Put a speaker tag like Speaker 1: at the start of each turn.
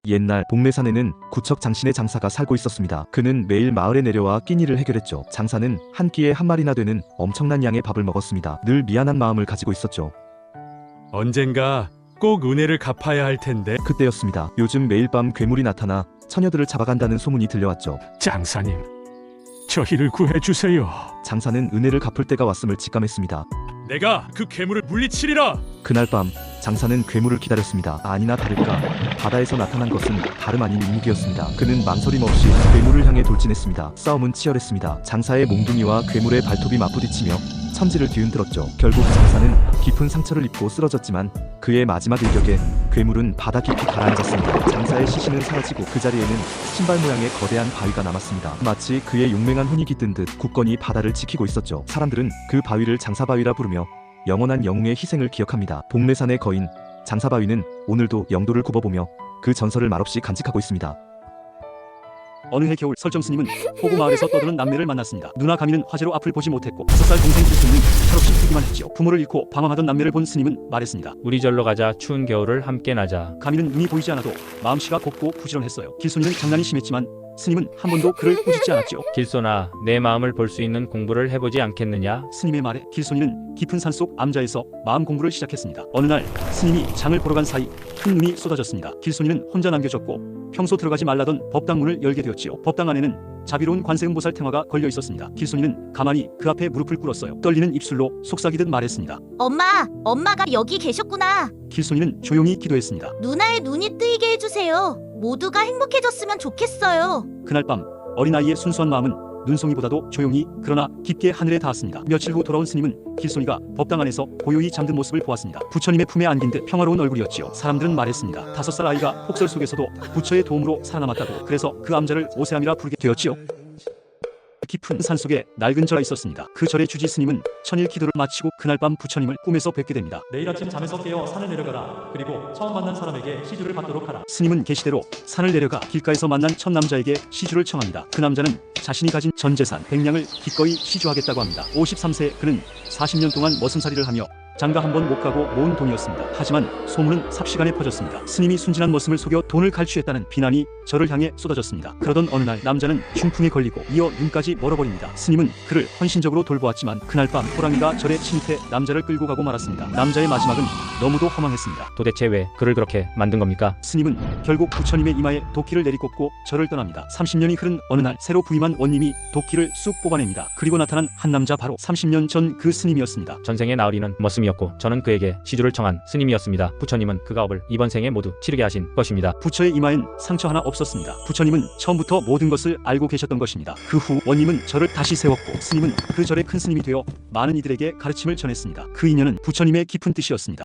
Speaker 1: 옛날 복례산에는 구척 장신의 장사가 살고 있었습니다. 그는 매일 마을에 내려와 끼니를 해결했죠. 장사는 한 끼에 한 마리나 되는 엄청난 양의 밥을 먹었습니다. 늘 미안한 마음을 가지고 있었죠.
Speaker 2: 언젠가 꼭 은혜를 갚아야 할 텐데.
Speaker 1: 그때였습니다. 요즘 매일 밤 괴물이 나타나 처녀들을 잡아간다는 소문이 들려왔죠.
Speaker 2: 장사님, 저희를 구해주세요.
Speaker 1: 장사는 은혜를 갚을 때가 왔음을 직감했습니다.
Speaker 2: 내가 그 괴물을 물리치리라.
Speaker 1: 그날 밤 장사는 괴물을 기다렸습니다. 아니나 다를까 바다에서 나타난 것은 다름 아닌 인묵이었습니다. 그는 망설임 없이 괴물을 향해 돌진했습니다. 싸움은 치열했습니다. 장사의 몽둥이와 괴물의 발톱이 맞부딪히며 천지를 뒤흔들었죠. 결국 장사는 깊은 상처를 입고 쓰러졌지만 그의 마지막 일격에 괴물은 바다 깊이 가라앉았습니다. 장사의 시신은 사라지고 그 자리에는 신발 모양의 거대한 바위가 남았습니다. 마치 그의 용맹한 혼이 깃든 듯 굳건히 바다를 지키고 있었죠. 사람들은 그 바위를 장사바위라 부르며 영원한 영웅의 희생을 기억합니다. 복례산의 거인 장사바위는 오늘도 영도를 굽어보며 그 전설을 말없이 간직하고 있습니다.
Speaker 3: 어느 해 겨울 설정스님은 호구 마을에서 떠드는 남매를 만났습니다. 누나 가미는 화재로 앞을 보지 못했고 5살 동생 길순이는 철없이 뛰기만 했지요. 부모를 잃고 방황하던 남매를 본 스님은 말했습니다.
Speaker 4: 우리 절로 가자. 추운 겨울을 함께 나자.
Speaker 3: 가미는 눈이 보이지 않아도 마음씨가 곱고 부지런했어요. 길순이는 장난이 심했지만 스님은 한 번도 그를 꾸짖지 않았지요.
Speaker 4: 길소나, 내 마음을 볼 수 있는 공부를 해보지 않겠느냐?
Speaker 3: 스님의 말에 길순이는 깊은 산속 암자에서 마음 공부를 시작했습니다. 어느 날 스님이 장을 보러 간 사이 큰 눈이 쏟아졌습니다. 길순이는 혼자 남겨졌고 평소 들어가지 말라던 법당 문을 열게 되었지요. 법당 안에는 자비로운 관세음보살 탱화가 걸려 있었습니다. 길순이는 가만히 그 앞에 무릎을 꿇었어요. 떨리는 입술로 속삭이듯 말했습니다.
Speaker 5: 엄마가 여기 계셨구나.
Speaker 3: 길순이는 조용히 기도했습니다.
Speaker 5: 누나의 눈이 뜨이게 해주세요. 모두가 행복해졌으면 좋겠어요.
Speaker 3: 그날 밤 어린아이의 순수한 마음은 눈송이보다도 조용히 그러나 깊게 하늘에 닿았습니다. 며칠 후 돌아온 스님은 길손이가 법당 안에서 고요히 잠든 모습을 보았습니다. 부처님의 품에 안긴 듯 평화로운 얼굴이었지요. 사람들은 말했습니다. 5살 아이가 폭설 속에서도 부처의 도움으로 살아남았다고. 그래서 그 암자를 오세암이라 부르게 되었지요. 깊은 산속에 낡은 절이 있었습니다. 그 절의 주지 스님은 천일 기도를 마치고 그날 밤 부처님을 꿈에서 뵙게 됩니다.
Speaker 6: 내일 아침 잠에서 깨어 산을 내려가라. 그리고 처음 만난 사람에게 시주를 받도록 하라.
Speaker 3: 스님은 계시대로 산을 내려가 길가에서 만난 첫 남자에게 시주를 청합니다. 그 남자는 자신이 가진 전 재산 100냥을 기꺼이 시주하겠다고 합니다. 53세 그는 40년 동안 머슴살이를 하며 장가 한 번 못 가고 모은 돈이었습니다. 하지만 소문은 삽시간에 퍼졌습니다. 스님이 순진한 머슴을 속여 돈을 갈취했다는 비난이 절을 향해 쏟아졌습니다. 그러던 어느 날 남자는 중풍에 걸리고 이어 눈까지 멀어버립니다. 스님은 그를 헌신적으로 돌보았지만 그날 밤 호랑이가 절에 침입해 남자를 끌고 가고 말았습니다. 남자의 마지막은 너무도 허망했습니다.
Speaker 4: 도대체 왜 그를 그렇게 만든 겁니까?
Speaker 3: 스님은 결국 부처님의 이마에 도끼를 내리꽂고 절을 떠납니다. 30년이 흐른 어느 날 새로 부임한 원님이 도끼를 쑥 뽑아냅니다. 그리고 나타난 한 남자 바로 30년 전 그 스님이었습니다.
Speaker 4: 전생의 나으리는 머슴이었고 저는 그에게 시주를 청한 스님이었습니다. 부처님은 그 가업을 이번 생에 모두 치르게 하신 것입니다.
Speaker 3: 부처의 이마엔 상처 하나 없었습니다. 부처님은 처음부터 모든 것을 알고 계셨던 것입니다. 그 후 원님은 절을 다시 세웠고 스님은 그 절의 큰 스님이 되어 많은 이들에게 가르침을 전했습니다. 그 인연은 부처님의 깊은 뜻이었습니다.